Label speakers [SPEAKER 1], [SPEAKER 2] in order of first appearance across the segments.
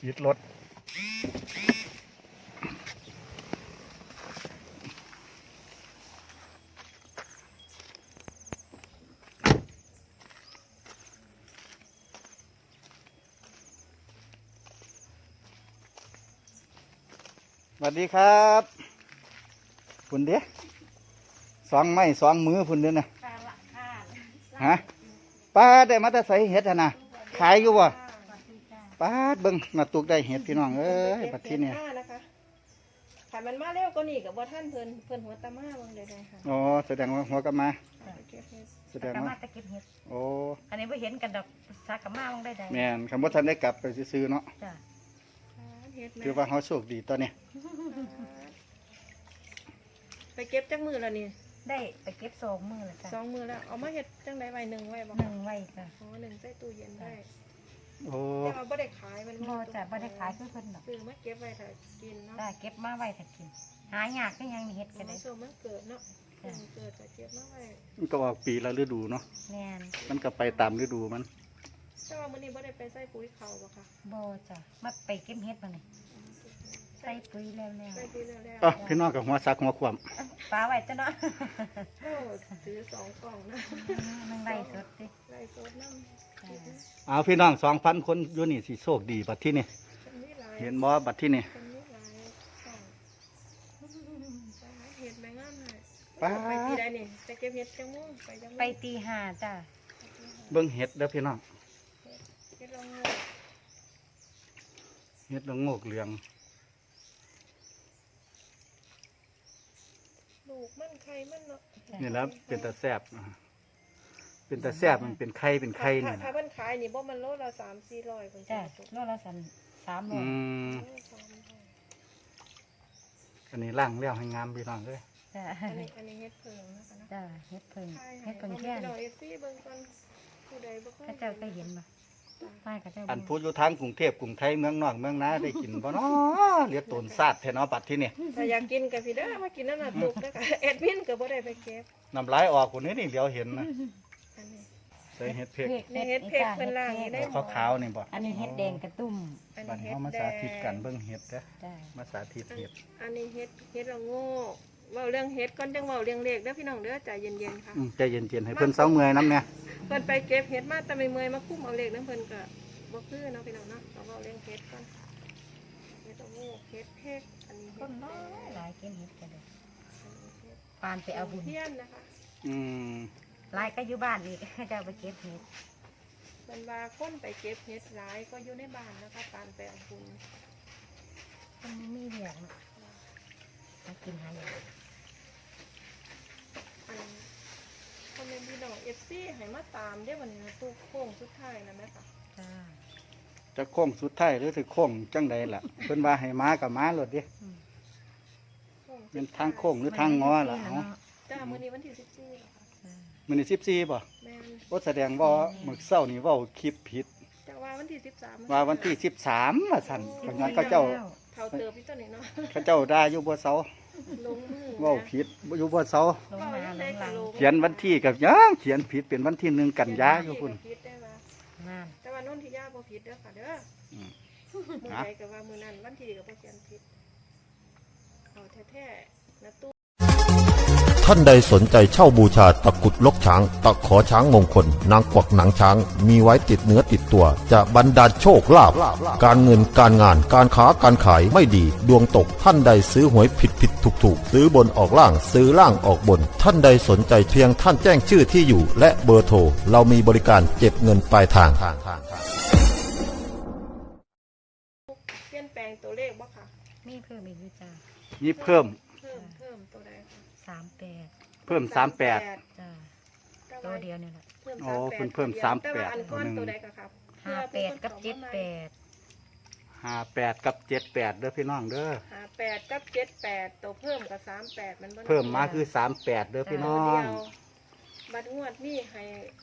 [SPEAKER 1] ยึดรถสวัสดีครับคุณเด้2 ไม้ 2 มือคุณเด้นะฮะป้าได้มาแต่ใส่เห็ดนะขายอยู่บ่ป้าเบิ่งมาตุกได้เห็ดพี่น้องเอ้ยบัดที่นี่
[SPEAKER 2] ขันมันมาเร็วก็นี่กับว่าท่านเพิ่นหัวตามาเบิ่งได้ค่ะ
[SPEAKER 1] อ๋อแสดงว่าหัวกลับมาแสดง
[SPEAKER 3] กะ
[SPEAKER 1] ว่า
[SPEAKER 3] มาตะเก็บเห็ด
[SPEAKER 1] โอ้
[SPEAKER 3] อันนี้ไม่เห็นกันดอกสากะมาลงได้ใด
[SPEAKER 1] แม่นคำว่าท่านได้กลับไปซื้อๆเนาะ
[SPEAKER 3] จ้ะ
[SPEAKER 1] คือว่าเขาโชคดีตอนนี้
[SPEAKER 2] ไปเก็บจักมือแล้วนี่
[SPEAKER 3] ได้ไปเก็บ2 มื้อแล้วจ้ะ
[SPEAKER 2] 2 มือแล้วเอามาเฮ็ดจังได๋ไว้1ไว้บ่
[SPEAKER 3] 1ไว้จ้ะ
[SPEAKER 2] อ๋อ1ใส่ตู้เย็นได้
[SPEAKER 1] โอ้
[SPEAKER 2] แต่ว่าบ่ได้ขายมัน
[SPEAKER 3] บ่จ้ะบ่ได้ขายคือเพิ่นดอก
[SPEAKER 2] ซื้อมาเก็บไว้ถ้ากินเนาะ
[SPEAKER 3] ได้เก็บมาไว้ถ้ากินหายากก็ยังเห็ดก็ได้
[SPEAKER 2] ช่วงมันเกิดเนาะมันเกิดจะเก็บมาไว้
[SPEAKER 1] มันก็ออกปีละฤดูเนาะ
[SPEAKER 3] แม่น
[SPEAKER 1] มันก็ไปตามฤดูมัน
[SPEAKER 2] แต่ว่ามื้อนี้บ่ได้ไปใส่ปุ๋ยเขาบ่ค่ะ
[SPEAKER 3] บ่จ้ะมาไปเก็บเห็ดมานี่ใส่ปุ๋ยแล้ว
[SPEAKER 2] ใส่ปุ๋ยแล้ว
[SPEAKER 1] อ๋อพี่น้องกับหัวซักหัวขวาม
[SPEAKER 3] ปลาไว้จ้ะเนาะ
[SPEAKER 2] โอ้ซื้อ2กล่องนะ
[SPEAKER 3] มันไล่สดติ
[SPEAKER 2] ไล่สดน้ำ
[SPEAKER 1] เอาพี่น้อง2,000 คนอยู่นี่สิโชคดีบัดที่นี่
[SPEAKER 2] มีหลาย
[SPEAKER 1] เห็นบ่บัดที่นี่
[SPEAKER 2] คนนี้หลายกล่องเห็ดแมงงามเลย
[SPEAKER 1] ป้า
[SPEAKER 2] ไปที่ใดนี่ไปเก็บเห็ดจังมุ่งไปจังมุ่ง
[SPEAKER 3] ไปตี5จ้ะ
[SPEAKER 1] เบิ่งเห็ดเด้อพี่น้อง
[SPEAKER 2] เห็ดลองงู
[SPEAKER 1] เห็ดละโงกเหลือง
[SPEAKER 2] ลูกมันไข่มันเนาะ
[SPEAKER 1] นี่แล้วเป็นตาแซ่บเป็นตาแซ่บมันเป็นไข่นี่
[SPEAKER 2] ถ้า
[SPEAKER 1] นะ
[SPEAKER 2] มันขายนี่บ่มันโลละ300-400คน
[SPEAKER 3] จ้ะโลละ300
[SPEAKER 1] อืมอันนี้ล่างแล้วให้งามพี่น้องเลย
[SPEAKER 3] จ้ะ
[SPEAKER 2] อันนี้เฮ็ดเพิงนะคะนะ
[SPEAKER 3] จ้ะเห็ดเพิ่ง
[SPEAKER 2] ใช่
[SPEAKER 3] เห็ดเพิ่ง
[SPEAKER 2] เอา
[SPEAKER 3] แค่
[SPEAKER 2] ไป
[SPEAKER 3] น
[SPEAKER 2] ดอกเอซี่เบิ่งก่อนผู้ใดบ่เคย
[SPEAKER 3] ข้าเจ้าก็เห็นบ่ป้าข้าเจ้า
[SPEAKER 1] อันพูดอยู่ทางกรุงเทพกรุงไทยเมืองนอกเมืองนาได้กินบ่เนาะเหลียดตนซาดแท้เนาะบัดที่นี่
[SPEAKER 2] ถ้าอยากกินก็พี่เด้อมากินนั่นน่ะตุกเด้อค่ะแอดมินก็บ่ได้ไปเก็บ
[SPEAKER 1] น้ำลายออกคนนี้นี่เหลียวเห็นนะ
[SPEAKER 2] อันนี้
[SPEAKER 1] ใส่เห็ดเผ็ด
[SPEAKER 2] ในเฮ็ดเพกเพิ่นล่างนี่ได้
[SPEAKER 1] ขาวๆนี่บ่
[SPEAKER 3] อันนี้เห็ดแดงกระตุ้ม
[SPEAKER 2] อัน
[SPEAKER 1] บัด
[SPEAKER 2] นี้
[SPEAKER 1] นี้
[SPEAKER 2] เฮ็ด
[SPEAKER 1] เฮามา
[SPEAKER 2] แด
[SPEAKER 1] สาง ธิตกันเบิ่งเห็ดเด้อ
[SPEAKER 3] จ้ะ
[SPEAKER 1] มาสาธิตเห็ด
[SPEAKER 2] อันนี้เฮ็ดละโง่เว้าเรื่องเฮ็ดก่อนจังเว้าเรื่องเลขเด้อพี่น้องเด้อใจเย็นๆค่ะ
[SPEAKER 1] ใจเย็นๆให้เพิ่นเซาเมื่อยน้ำเนี่ย
[SPEAKER 2] เพิ่นไปเก็บเฮ็ดมาแต่ไม่เมื่อยมาคุ้มเอาเลขนำเพิ่นก็บ่คือเนาะพี่น้องเนาะเราเว้าเรื่องเฮ็ดก่อนเฮ็ดละโง่เฮ็ดเพกอันนี้
[SPEAKER 3] ต้นน้อยหลายกินเห็ดกันเลย
[SPEAKER 2] เฮ็ด
[SPEAKER 3] ปานไปเอาบุญ
[SPEAKER 2] เทียนนะคะ
[SPEAKER 1] อืม
[SPEAKER 3] หลายก็อยู่บ้านอีก ข้าเจ้าไปเก็บเห็ด
[SPEAKER 2] เพิ่นว่าคนไปเก็บเฮ็ดหลายก็อยู่ในบ้านนะคะปานไปเอาบุญ
[SPEAKER 3] มันไม่มีเหลืองมากินหาอย่าง
[SPEAKER 2] อันคอมเมนต์พี่น้อง FC ให้มาตามเด้อวันนี้ตู้โค้งสุดท้ายนะแม่ค่ะ
[SPEAKER 3] จ้า
[SPEAKER 1] จะโค้งสุดท้ายหรือสิโค้งจังใดล่ะเพิ่นว่าให้มากับมาโลดเด้
[SPEAKER 2] โค้งสุด
[SPEAKER 1] เป็น
[SPEAKER 2] ท้าย
[SPEAKER 1] ทางโค้งหรือทางงอล่ะเนาะ
[SPEAKER 2] จ้ามื้อนี้วันที่14แล้วค่ะ
[SPEAKER 1] มื้อนี้14บ่
[SPEAKER 2] แม่น
[SPEAKER 1] บ่แสดงว่ามื้อเช้านี่เว้าคลิปผิด
[SPEAKER 2] แต่ว่าวันที่13
[SPEAKER 1] ว่าวันที่13ว่าซั่นเพราะงั้นเขาเจ้า
[SPEAKER 2] เท่าเติบพี่ตัวนี้เนาะ
[SPEAKER 1] เขาเจ้าด่าอยู่บ่เซา
[SPEAKER 2] ลงมือ
[SPEAKER 1] เว้าผิดอยู่บ่เซา
[SPEAKER 3] ลงมาลงหลัง
[SPEAKER 1] เขียนวันที่กับยังเขียนผิดเป็นวันที่1กันยาอยู่พุ่น
[SPEAKER 2] ผิดได้ว่า
[SPEAKER 3] นั่น
[SPEAKER 2] แต่ว่านนทิยาบ่ผิดเด้อค่ะเด้อ
[SPEAKER 1] อืม
[SPEAKER 2] มื้อใดก็ว่ามื้อนั้นวันที่ก็บ่เขียนผิดเอาแท้ๆนะตู้
[SPEAKER 4] ท่านใดสนใจเช่าบูชาตะกรุดลกช้าง ตะขอช้างมงคล นางกวักหนังช้าง มีไว้ติดเนื้อติดตัว จะบรรดาลโชคลาภการเงินการงานการค้าการขายไม่ดี ดวงตกท่านใดซื้อหวยผิดถูกซื้อบนออกล่างซื้อล่างออกบน ท่านใดสนใจเพียงท่านแจ้งชื่อที่อยู่ และเบอร์โทรเรามีบริการเก็บเงินปลายทาง
[SPEAKER 2] เปลี่ยนแปลงตัวเลขบ่ค่ะ
[SPEAKER 3] มีเพิ่มอีกด้วยจ้า
[SPEAKER 1] นี่เพิ่ม
[SPEAKER 2] เพิ่มตัวใดคะ
[SPEAKER 3] 38
[SPEAKER 1] เพิ่ม38
[SPEAKER 3] จ้า
[SPEAKER 2] แต่
[SPEAKER 3] ตัว
[SPEAKER 2] ว่า
[SPEAKER 3] เดียวนี่แหละ
[SPEAKER 2] เพิ่ม
[SPEAKER 1] โอ้
[SPEAKER 2] 38
[SPEAKER 1] เพิ่ม
[SPEAKER 2] ตัวดียว
[SPEAKER 1] 38
[SPEAKER 2] แต่ว่าอันก้อนตัวใดก็ครับ
[SPEAKER 3] 58กับ
[SPEAKER 1] 58กับ78เด้อพี่น้องเด้อ
[SPEAKER 2] 58กับ78ตัวเพิ่มกับ38มันบ่
[SPEAKER 1] เพิ่มมาคือ38เด้อพี่น้อ
[SPEAKER 2] ตัว
[SPEAKER 1] ง
[SPEAKER 2] เดียวบัดงวดนี้ให้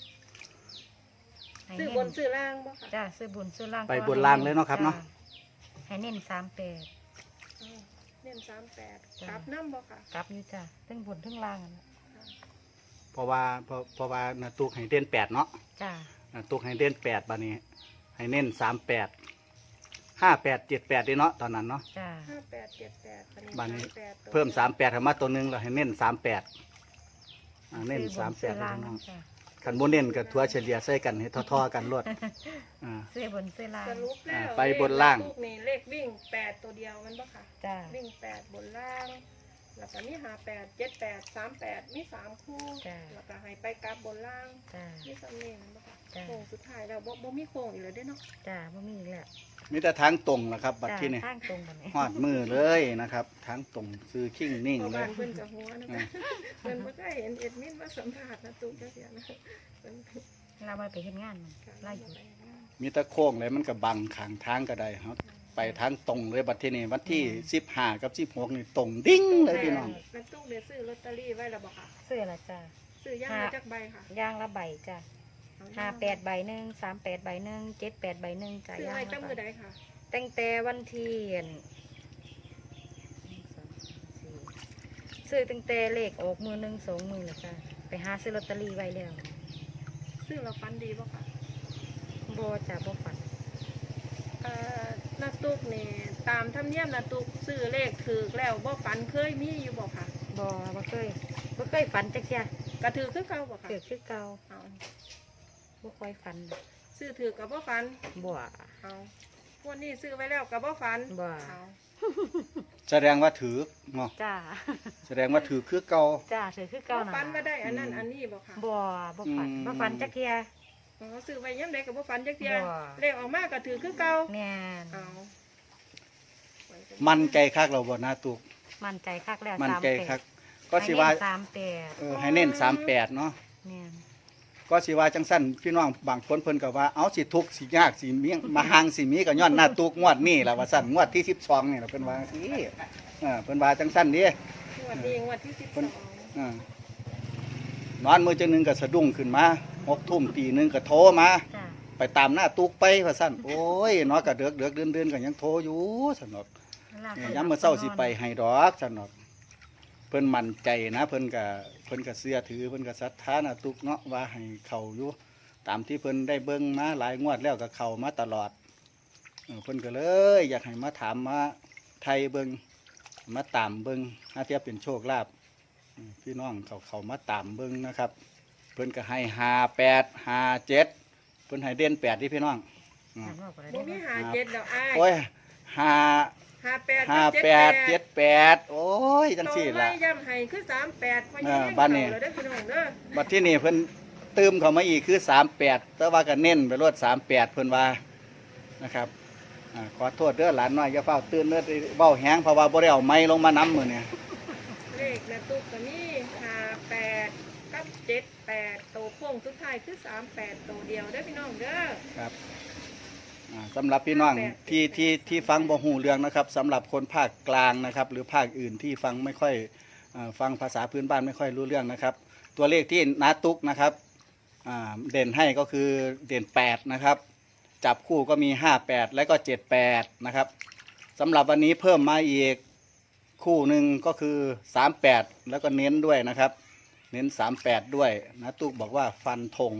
[SPEAKER 3] ให้
[SPEAKER 2] ซื้อ
[SPEAKER 3] เน้
[SPEAKER 2] บนซื้อล่างบ่ค่ะ
[SPEAKER 3] จ้าซื้อบุญซื้อล่าง
[SPEAKER 1] ไปบนล่างเลยเนาะครับเนาะ
[SPEAKER 3] ให้เน้น38
[SPEAKER 2] เน้น38กลับน้ำบ่ค่ะ
[SPEAKER 3] กลับอยู่จ้าทั้งบุญทั้งล่างอะนะ
[SPEAKER 1] เพราะว่านาตุกให้เด่น8เนาะ
[SPEAKER 3] จ้า
[SPEAKER 1] นาตุกให้เด่น8บัดนี้ให้เน้น38 5878นี่เนาะตอนนั้นเนาะ
[SPEAKER 3] จ้า
[SPEAKER 2] 5878
[SPEAKER 1] บัดนี้
[SPEAKER 2] 38
[SPEAKER 1] เพิ่ม38เข้ามาตัวหนึงแล้วให้เน้น38เน้น
[SPEAKER 3] ซื้อบนซื้อ
[SPEAKER 1] 38
[SPEAKER 3] ล่าง
[SPEAKER 1] พี่น้อง
[SPEAKER 3] จ้า
[SPEAKER 1] คันบ่เน้นก็ถัวเฉลี่ยใส่กันให้ท่อๆกันรวดอ่า
[SPEAKER 3] ซื้อบนซื้อล่าง
[SPEAKER 2] สรุปแล้ว
[SPEAKER 1] ไปบนล่าง
[SPEAKER 2] เลขนี่เลขวิ่ง8ตัวเดียวมันบ่ค่ะ
[SPEAKER 3] จ้า
[SPEAKER 2] วิ่ง8บนล่าง แล้วก็มี58 78 38มี3คู่
[SPEAKER 3] จ้ะ
[SPEAKER 2] แล้วก็ให้ไปกลับบนล่าง
[SPEAKER 3] จ้า
[SPEAKER 2] มีสำเนียงมันบ่ค่ะ
[SPEAKER 3] จ้ะ
[SPEAKER 2] โค้งสุดท้ายแล้วบ่มีโค้งอีกแล้วเด้เนาะ
[SPEAKER 3] จ้าบ่มีอีกแล้ว
[SPEAKER 1] มีแต่ทางตรงล่ะครับ บัด
[SPEAKER 3] จ้า
[SPEAKER 1] ที่นี่
[SPEAKER 3] ทางตรงบัดนี้
[SPEAKER 1] ฮอดมือเลยนะครับทางตรงซื้อคิงนิ่ง
[SPEAKER 2] เพราะ
[SPEAKER 1] เล
[SPEAKER 2] บ้าย นเพิ่นกับหัวนะคะเพิ่นบ่เคยเห็นเอ็ดมินมาสัมภาษณ์นะตุ๊กจักเสียนะเพิ่น
[SPEAKER 3] เราไปเฮ็ดงานมัน
[SPEAKER 2] ค่ะ
[SPEAKER 3] ไล่อยู่
[SPEAKER 1] มีแตะโค้งเลยมันก็บังข้างทางก็ได้ครับไปทางตรงเลยบัดที่นี่วันที่15กับ16นี่ตรงดิ้งเลยพี่น้อง
[SPEAKER 2] แม่ตุ๊กได้ซื้อลอตเตอรี่ไว้แล้วบ่ค่ะ
[SPEAKER 3] ซื้อละจ้า
[SPEAKER 2] ซื้อย่างมาจากใบค่ะ
[SPEAKER 3] ย่างละใบจ้า
[SPEAKER 2] เอา
[SPEAKER 3] 58ใบหนึ่ง38ใบหนึ่ง78ใบหนึ่งจ้า
[SPEAKER 2] ซื้อย่าง ไว้ตั้ง
[SPEAKER 3] ละ
[SPEAKER 2] มือ
[SPEAKER 3] ใบ
[SPEAKER 2] ใดค่ะ
[SPEAKER 3] ตั้งแต่วันที่ซื้อตั้งแต่เลขออกมือหนึ่งสองมือเลยจ้าไปหาซื้อลอตเตอรี่ไว้แล้ว
[SPEAKER 2] ซื้อเราฟันดีบ่ค่ะ
[SPEAKER 3] บ่จ้าบ่ฝัน
[SPEAKER 2] นาตุ๊กนี่ตามธรรมเนียมนาตุ๊กซื้อเลขถือแล้วบ่ฝันเคยมีอยู่บ่ค่ะ
[SPEAKER 3] บ่เคยฝันจักเที่ย
[SPEAKER 2] กระถือคือเก่าบ่ค่ะ
[SPEAKER 3] เกิดคือเก่า
[SPEAKER 2] เอา
[SPEAKER 3] บ่ค่อยฝันดอก
[SPEAKER 2] ซื้อถือกับบ่ฝัน
[SPEAKER 3] บ่
[SPEAKER 2] เอาวันนี้ซื้อไว้แล้วกับบ่ฝัน
[SPEAKER 3] บ่
[SPEAKER 2] เอา
[SPEAKER 1] แสดงว่าถือเนาะ
[SPEAKER 3] จ้า
[SPEAKER 1] แสดงว่าถือคือเก่า
[SPEAKER 3] จ้าถือคือ
[SPEAKER 2] บ่
[SPEAKER 3] เก่าน่ะ
[SPEAKER 2] ฝันมาได้อันนั้นอันนี้บ่ค่ะ
[SPEAKER 3] บ่ฝัน
[SPEAKER 1] อืม
[SPEAKER 3] บ่ฝันจักเที่ย
[SPEAKER 2] อ๋อซื้อไว้ยามใดก็บ่ฝันจักเที่ย
[SPEAKER 3] บ่
[SPEAKER 2] เลขออกมาก็ถือคือเก่า
[SPEAKER 3] แม่น
[SPEAKER 2] เอา
[SPEAKER 1] มันใจคักเราบ่หน้าตุก
[SPEAKER 3] มั่นใจคักแล้ว
[SPEAKER 1] มันใจคัก
[SPEAKER 3] 38
[SPEAKER 1] ก็สิว่า
[SPEAKER 3] ให้เน้น38
[SPEAKER 1] ให้เน้น38เนาะ
[SPEAKER 3] แม่น
[SPEAKER 1] ก็สิว่าจังสั้นพี่น้องบางคนเพิ่นก็ว่าเอาสิทุกข์สิยากสิเมียงมาหางสิมีก็ย้อนหน้าตุกงวดนี้ล่ะว่าซั่นงวดที่12นี่ล่ะเพิ่นว่าสิเพิ่นว่าจังสั้นเด้
[SPEAKER 2] งวดนี้งวดที่
[SPEAKER 1] เพิ่น นอนมื้อจังหนึงก็สะดุ้งขึ้นมา6 ทุ่มตีหนึงก็โทรมา
[SPEAKER 3] จ้า
[SPEAKER 1] ไปตามหน้าตุกไปว่าซั่นโอ้ยเนาะก็เดือกๆเดือนๆก็ยังโทรอยู่ซั่นเนาะ ยามมื้อเช้าสิไปให้ดอกซั่นดอกเพิ่นมั่นใจนะเพิ่นก็เชื่อถือเพิ่นก็ศรัทธานะตุกเนาะว่าให้เข้าอยู่ตามที่เพิ่นได้เบิ่งมาหลายงวดแล้วก็เข้ามาตลอดเพิ่นก็เลยอยากให้มาถามมาไทยเบิ่งมาตามเบิ่งหาเทียบเป็นโชคลาภพี่น้องเขามาตามเบิ่งนะครับ เพิ่นก็ให้58 57เพิ่นให้เด่น8ที่พี่น้อง
[SPEAKER 2] บ่มี57แล้วอ้าย
[SPEAKER 1] โอ้ย
[SPEAKER 2] 58
[SPEAKER 1] 58 78โอ้ยจังซี่ล่ะ
[SPEAKER 2] โตไว้ย้ำให้คือ38ว่ายัง
[SPEAKER 1] บ้านนี้
[SPEAKER 2] เก่าแล้วเด้อพี่น้องเด้อ
[SPEAKER 1] บัดที่นี่เพิ่นตืมเข้ามาอีกคือ38แต่ว่าก็เน้นไปรวด38เพิ่นว่านะครับขอโทษเด้อหลานน้อยอย่าเฝ้าตื่นเด้อเว้าแฮงเพราะว่าบ่ได้เอาไม้ลงมานํมื้อนี้
[SPEAKER 2] เลขแม่ตุ๊กก็มี58กับ78โตโค้งสุดท้ายคือ38โตเดียวเด้อพี่น้องเด้อ
[SPEAKER 1] ครับสำหรับพี่น้องที่ฟังบ่ฮู้เรื่องนะครับสำหรับคนภาคกลางนะครับ หรือภาคอื่นที่ฟังไม่ค่อยฟังภาษาพื้นบ้านไม่ค่อยรู้เรื่องนะครับ ตัวเลขที่นาตุกนะครับเด่นให้ก็คือเด่น8นะครับจับคู่ก็มี58และก็78นะครับสำหรับวันนี้เพิ่มมาอีกคู่หนึ่งก็คือ38แล้วก็เน้นด้วยนะครับ เน้น38ด้วยนาตุกบอกว่าฟันธง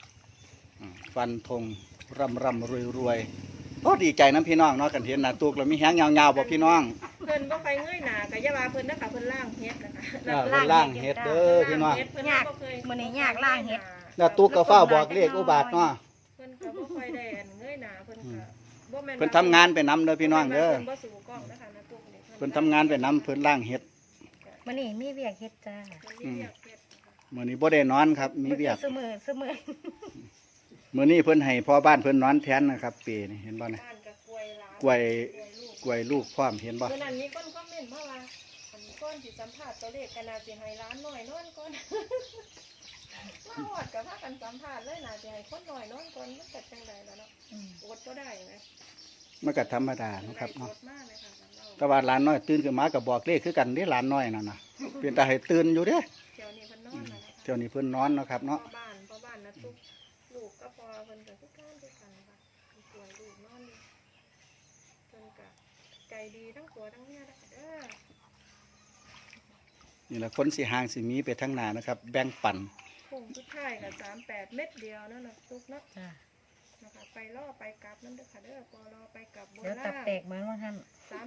[SPEAKER 1] ร่ำรวยโอ้ดีใจน้ำพี่น้องเนาะกันเห็นนาตุกเรามีแห้งยาวๆบ่พี่น้อง
[SPEAKER 2] เพิ่นบ่ไปเงยหน้าก็อย่าว่าเพิ่นนะคะเพิ่นล่างเฮ็ดนะคะ
[SPEAKER 1] เพิ่นล่างเฮ็ดเด้อพี่น้อง
[SPEAKER 2] เฮ็ดเพิ่นบ่เคย
[SPEAKER 3] มื้อนี้ยากล่างเฮ็ด
[SPEAKER 1] นาตุกก็เฝ้าบอกเลขอุบาทเนาะ
[SPEAKER 2] เพิ่นก็บ่ค่อยได้อันเงยหน้าเพิ่นก็บ่แม่น
[SPEAKER 1] เพิ่นทำงานไปนำเด้อพี่น้องเด้อ
[SPEAKER 2] เพิ่นบ่สู่กล้องนะคะนะตุ๊กนี่
[SPEAKER 1] เพิ่นทำงานไปนำเพิ่นล่างเฮ็ด
[SPEAKER 3] มื้อนี้มีเวียกเฮ็ดจ้า
[SPEAKER 2] เพิ่นมีเรียกเฮ็ดนะคะ
[SPEAKER 1] มื้อนี้บ่ได้นอนครับมีเวียก
[SPEAKER 3] ซุมื้อ
[SPEAKER 1] มื้อนี้เพิ่นให้พ่อบ้านเพิ่นนอนแทนนะครับปีนี่เห็นบ่เนี่ย
[SPEAKER 2] บ้านก็กล้วยหลาน
[SPEAKER 1] กล้วย
[SPEAKER 2] ลูก
[SPEAKER 1] กล้วยลูกพร้อมเห็นบ่
[SPEAKER 2] เมื่อนั้นมีคนคอมเมนต์มาว่าอันก่อนสิสัมภาษณ์ตัวเลขก็น่าสิให้ร้านน้อยนอนก่อน มาฮอดก็พากันสัมภาษณ์เลยน่าสิให้คนน้อยนอนก่อนมันก็จังไดล่ะเนาะอดบ่ได้ไหม
[SPEAKER 1] มันก็ธรรมดานะครับเนาะ
[SPEAKER 2] อดมากเลยค่ะเรา
[SPEAKER 1] แต่ว่าหลานน้อยตื่นขึ้นมาก็บอกเลขคือกันเด้หลานน้อยนั่นน่ะเป็นตาให้ตื่นอยู่เด้
[SPEAKER 2] เที่ยวนี้เพิ่นนอนแล้วนะคะ
[SPEAKER 1] เที่ยวนี้เพิ่นนอนเนาะครับเนาะ
[SPEAKER 2] พ่อบ้านนะทุกลูกก็พอเพิ่นก็คือการด้วยกันค่ะป่วยลูกนอนอยู่เพิ่นก็ใจดีทั้งผัวทั้งเมียนะคะเด้อ
[SPEAKER 1] นี่แหละคนสิห่างสิมีไปทั้งหน้านะครับ แบ่งปัน
[SPEAKER 2] พุ่งสุดท้ายก็38 เม็ดเดียวเนาะนะทุกเนาะ
[SPEAKER 3] จ้า
[SPEAKER 2] นะคะไปล่อไปกลับนั่นเด้อค่ะเด้อปลอไปกลับบน
[SPEAKER 3] เดี๋ยวตั
[SPEAKER 2] ล่า
[SPEAKER 3] บ
[SPEAKER 2] ง
[SPEAKER 3] แตกเหมือนว่าท่าน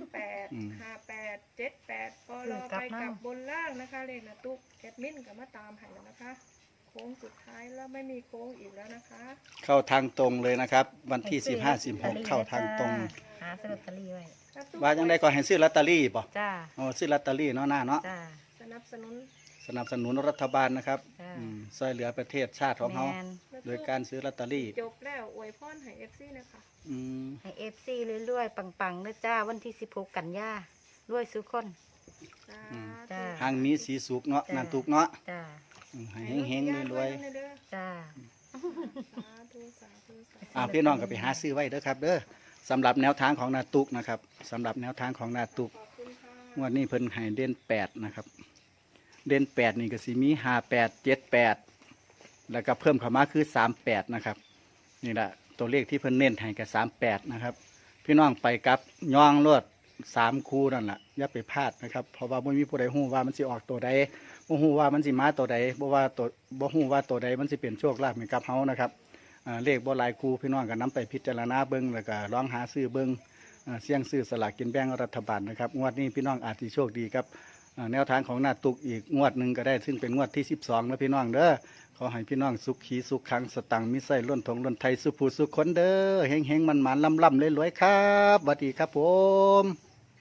[SPEAKER 2] 38 58 78ปลอไปกลับบนล่างนะคะเลขนะตุ๊กแอดมินก็มาตามให้แล้วนะคะโค้งสุดท้ายแล้วไม่มีโค้งอีกแล้วนะคะ
[SPEAKER 1] เข้าทางตรงเลยนะครับ วันที่15-16เข้าทางตรง
[SPEAKER 3] หาซื้อลอตเตอรี่ไว้
[SPEAKER 1] ว่าจังไดก็ให้ซื้อลอตเตอรี่ป่ะ
[SPEAKER 3] จ้า
[SPEAKER 1] อ๋อซื้อลอตเตอรี่เนาะหน้าเนาะ
[SPEAKER 3] จ้า
[SPEAKER 2] สนับสนุน
[SPEAKER 1] สนับสนุนรัฐบาลนะครับ
[SPEAKER 3] จ้า
[SPEAKER 1] ช่วยเหลือประเทศชาติของเขา
[SPEAKER 3] แมน
[SPEAKER 1] โดยการซื้อลอตเตอรี่
[SPEAKER 2] จบแล้วอวยพรให้ FC นะคะ
[SPEAKER 1] อืม
[SPEAKER 3] ให้เอฟซีเรื่อยๆปังๆนะจ้าวันที่16 กันยารวยสุขคน
[SPEAKER 2] สา
[SPEAKER 3] จ้า
[SPEAKER 1] ทางมีสีสุกเนาะ
[SPEAKER 3] จ้ะ
[SPEAKER 1] นันตุกเนาะ
[SPEAKER 3] จ้า
[SPEAKER 1] ให้เฮงๆรวย
[SPEAKER 3] จ้า
[SPEAKER 2] สาธุสาธุสาธุ
[SPEAKER 1] ๆพี่น้องก็ไปหาซื้อไว้เด้อครับ เด้อสำหรับแนวทางของนาตุกนะครับสำหรับแนวทางของนาตุก
[SPEAKER 2] ขอบคุณค่ะ
[SPEAKER 1] งวดนี้เพิ่นให้เด่น8นะครับเด่น8นี่ก็สิมี58 78แล้วก็เพิ่มเข้ามาคือ38นะครับนี่แหละตัวเลขที่เพิ่นเน้นให้กับ38นะครับพี่น้องไปกับย่องรวด3คู่นั่นแหละอย่าไปพลาดนะครับเพราะว่าบ่มีผู้ใดฮู้ว่ามันสิออกตัวใดบ่ฮู้ว่ามันสิมาตัวใดบ่ฮู้ว่าตัวใดมันสิเป็นโชคลาภให้กับเฮานะครับเลขบ่หลายคู่พี่น้องก็นำไปพิจารณาเบิ่งแล้วก็ลองหาซื้อเบิ่งเสี่ยงซื้อสลากกินแบ่งรัฐบาลนะครับงวดนี้พี่น้องอาจสิโชคดีครับแนวทางของหน้าตุกอีกงวดหนึ่งก็ได้ซึ่งเป็นงวดที่12แล้วพี่น้องเด้อขอให้พี่น้องสุขขีสุขขังสตังค์มิไส้ล้นทงล้นไทยสุขผู้สุขคนเด้อเฮงๆมันๆล่ำๆรวยๆครับสวัสดีครับผม